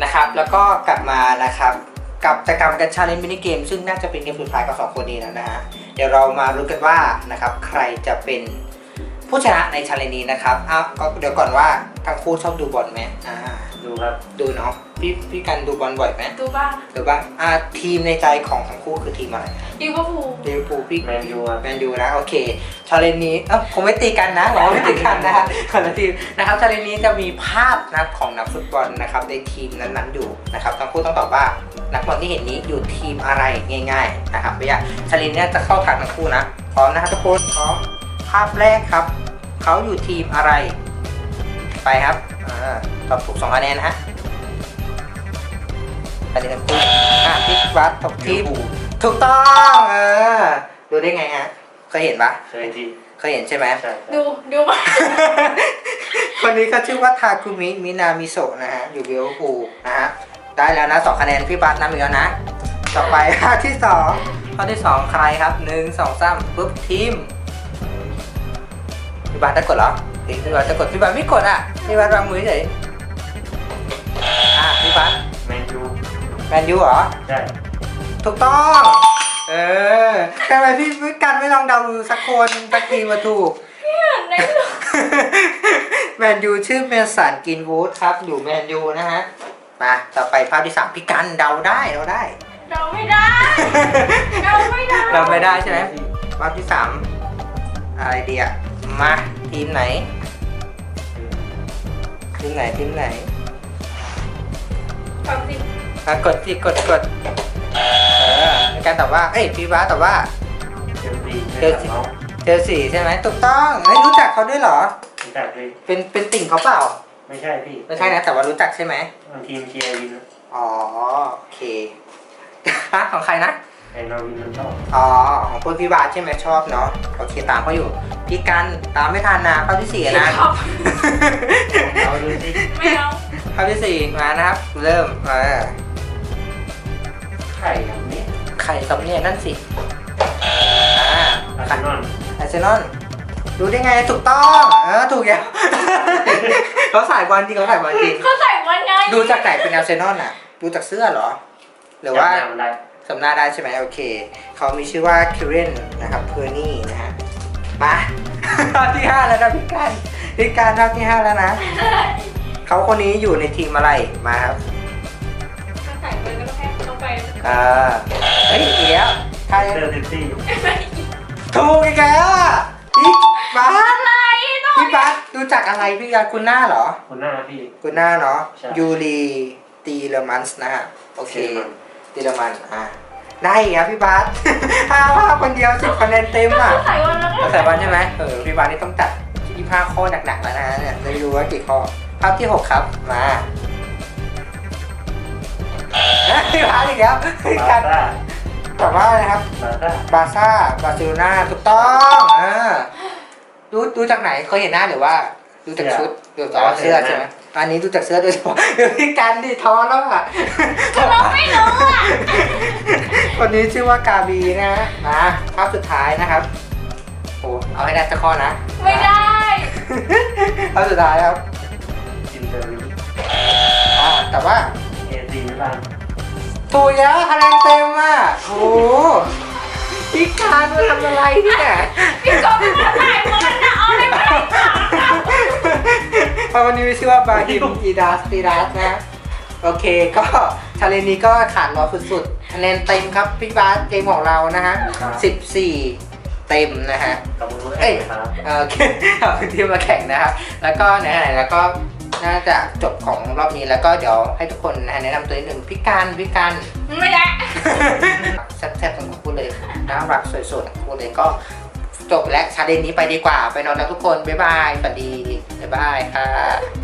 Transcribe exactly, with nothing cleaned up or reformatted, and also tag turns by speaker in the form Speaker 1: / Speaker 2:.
Speaker 1: นะครับแล้วก็กลับมานะครับกับกิจกรรมการชาเลนจ์มินิเกมซึ่งน่าจะเป็นเกมสุดท้ายกับสองคนนี้แล้วนะฮะเดี๋ยวเรามารู้กันว่านะครับใครจะเป็นผู้ชนะในชาเลนจ์นี้นะครับอ้าวก็เดี๋ยวก่อนว่าทั้งคู่ชอบดูบอลไหมอ่า
Speaker 2: ดูครับ
Speaker 1: ดูเนาะพี่พี่กันดูบอลบ่อยไหม
Speaker 3: ดูบ้าง
Speaker 1: ดูบ้างอ่าทีมในใจของทั้งคู่คือทีมอะไร
Speaker 3: ลิเวอร์พูล
Speaker 1: ลิเวอร์พูลพี่
Speaker 2: แมนยูครับ
Speaker 1: แมนยูนะโอเคชาเลนจ์นี้เอ้าคงไม่ตีกันนะหรอไม่ตีกันนะฮะคนละทีมนะครับชาเลนจ์นี้จะมีภาพนะครับของนักฟุตบอลนะครับในทีมนั้นๆอยู่นะครับทั้งคู่ต้องตอบว่านักบอลที่เห็นนี้อยู่ทีมอะไรง่ายๆนะครับไม่ยากชาเลนจ์นี้จะเข้าทางทั้งคู่นะพร้อมนะครับทุกคนพร้อมภาพแรกครับเขาอยู่ทีมอะไรไปครับอ่าตอบถูกสองคะแนนนะฮะคะแนนทั้งคู่อ่ะพี่วัดตกทีมถูกต้องเออดูได้ไงฮะเคยเห็นปะ
Speaker 2: เคยที่
Speaker 1: เคยเห็นใช่ไหม
Speaker 2: ใช่
Speaker 3: ดูดูบ้าง
Speaker 1: คนนี้ก็ชื่อว่าทาคุมิมินามิโซะนะฮะอยู่ลิเวอร์พูลนะฮะได้แล้วนะสองคะแนนพี่บัสนำอีกแล้วนะต่อไปข้อที่สองข้อที่สองใครครับหนึ่งสองสามปุ๊บทีมพี่บัสจะกดเหรอพี่บัสจะกดพี่บัสไม่กดอ่ะพี่บัสวางมือเฉยอ่ะพี่บัส
Speaker 2: แมนยู
Speaker 1: แมนยูเหรอ
Speaker 2: ใช่
Speaker 1: ถูกต้องเออทำไมพี่พี่กันไม่ลองเดาดูสักคนสักทีมาถูก
Speaker 3: ในหนัง
Speaker 1: แมนยูชื่อเมสันกินวูดครับอยู่แมนยูนะฮะมาต่อไปภาพที่สามพี่กันเดาได้เดาได้
Speaker 3: เราไม่ได้เราไม่ได้
Speaker 1: เราไม่ได้ใช่ไหมภาพที่สามอะไรดีอะมาทีมไหนทีมไหนทีมไหน
Speaker 3: ความจริง
Speaker 1: อ่ะกดที่กดกดเออในการตอบว่าเอ้ยพี่บ้าสตอบว่า
Speaker 2: เชลซี
Speaker 1: เชลซี เจอสี่ใช่ไหมถูกต้องเฮ้ยรู้จักเขาด้วยเหรอ
Speaker 2: รู้จักเลย
Speaker 1: เป็นเป็นติ่งเขาเปล่า
Speaker 2: ไม่ใช่พี่
Speaker 1: ไม่ใช่นะแต่ว่ารู้จักใช่ไหม
Speaker 2: มันทีมเชียร์วิน
Speaker 1: อ๋อโอเค ฮะของใครนะ
Speaker 2: ไอ้นอร์วินมันชอบ
Speaker 1: อ๋อของคุณพี่บาสใช่ไหมชอบเนาะโอเคตามเขาอยู่พี่กันตามไม่ทันนะข้อที่สี่นะ
Speaker 3: ครับ
Speaker 2: เอาดูสิ
Speaker 3: ไม่เอา
Speaker 1: ข้อที่สี่มานะครับเริ่มเออ
Speaker 2: ไข่แบบนี้
Speaker 1: ใครครับเนี่ยนั่นสิอ่า
Speaker 2: อาร์เซนอล
Speaker 1: อาร์เซนอลรู้ได้ไงถูกต้องเออถูกแล้ว เขาสายบอลจริงเขาสายบอลจริง
Speaker 3: เขาใส่วันไง
Speaker 1: ดูจากไหนเป็นอาร์เซนอลน่ะดูจากเสื้อเหรอ หรือว่า
Speaker 2: จำได้
Speaker 1: สำหน้าได้ใช่ไหมโอเคเขามีชื่อว่าคิเรนนะครับเพอร์นี่นะฮะมา รอบที่ห้าแล้วนะพี่การพี่การรอบที่ห้าแล้วนะเขาคนนี้อยู่ในทีมอะไรมาครับ
Speaker 3: ถ้าใส่วันก็ต้องให้ต้องไป
Speaker 1: อ่าเฮ้ยอีกแล้วใคร
Speaker 2: เดอร์ซิตี้
Speaker 1: ถูกอีกแล้วอ่ะพี่บัส
Speaker 3: อะไรต้อง
Speaker 1: พี่บัสดูจากอะไรพี่การคุณหน้าเหรอ
Speaker 2: คนหน้าพี่
Speaker 1: คุณหน้าเนาะ
Speaker 2: ใช่
Speaker 1: ยูรีตีเลมันส์นะฮะโอเค
Speaker 2: เยอรมัน
Speaker 1: ตีเลมันอ่าได้อีกครับพี่บัส ห้าภาพคนเดียวสิบคะแนนเต็มอ่ะ
Speaker 3: ใส่วันแล้วก็
Speaker 1: ภาษาบ้านใช่ไหมเออพี่บาสนี่ต้องจัดยี่สิบห้าข้อหนักๆแล้วนะเนี่ยได้รู้ว่ากี่ข้อภาพที่หกครับมาพี่บาสอีกแล้ว
Speaker 2: บา
Speaker 1: การ
Speaker 2: ซ่า
Speaker 1: ตอบว่าอะไรครับ
Speaker 2: บาซ่า
Speaker 1: บาร์ซ่าบาร์เซโลนาถูกต้องอ่าดูดูจากไหนเคยเห็นหน้าหรือว่าดูจากชุดดูจากเสื้อใช่ไหมอันนี้ดูจากเสื้อโดยเฉพาะเดี๋ยวพี่กันดิท้อแล้วอ่ะ
Speaker 3: เราไม่รู้อ่ะ
Speaker 1: คนนี้ชื่อว่ากาบีนะมาภาพสุดท้ายนะครับโอ้เอาให้ได้สักข้อนะ
Speaker 3: ไม่ได้
Speaker 1: ภาพสุดท้ายครับ
Speaker 2: อินเตอร์วิล
Speaker 1: อ่าแต่ว่า
Speaker 2: เอซีมิลาน
Speaker 1: ถูกแล้วคะแนนเต็มอ่ะโอ้โหพี่การมาทำอะไรเนี่ย
Speaker 3: พี่กบมาถ่ายวันนะเอาเลยไม่ได้ค่ะ
Speaker 1: เพราะวันนี้มีชื่อว่าบาฮิมอีดาสตีดัสนะโอเคก็ชาเลนจ์นี้ก็ขาดร้อยสุดๆคะแนนเต็มครับพี่บาสเกมของเรานะฮะสิบสี่เต็มนะฮะ
Speaker 2: กับมือ
Speaker 1: เอ้ย
Speaker 2: ครับ
Speaker 1: โอเคเอาพื้นที่มาแข่งนะครับแล้วก็ไหนๆแล้วก็น่าจะจบของรอบนี้แล้วก็เดี๋ยวให้ทุกคนนะแนะนำตัวนิดหนึ่งพี่การพี่การ
Speaker 3: ไม่ได้
Speaker 1: แซ่บๆทั้งคู่เลยน่ารักสวยๆทั้งคู่เลยก็จบและชาเลนจ์นี้ไปดีกว่าไปนอนแล้วทุกคนบ๊ายบายสวัสดีบ๊ายบายค่ะ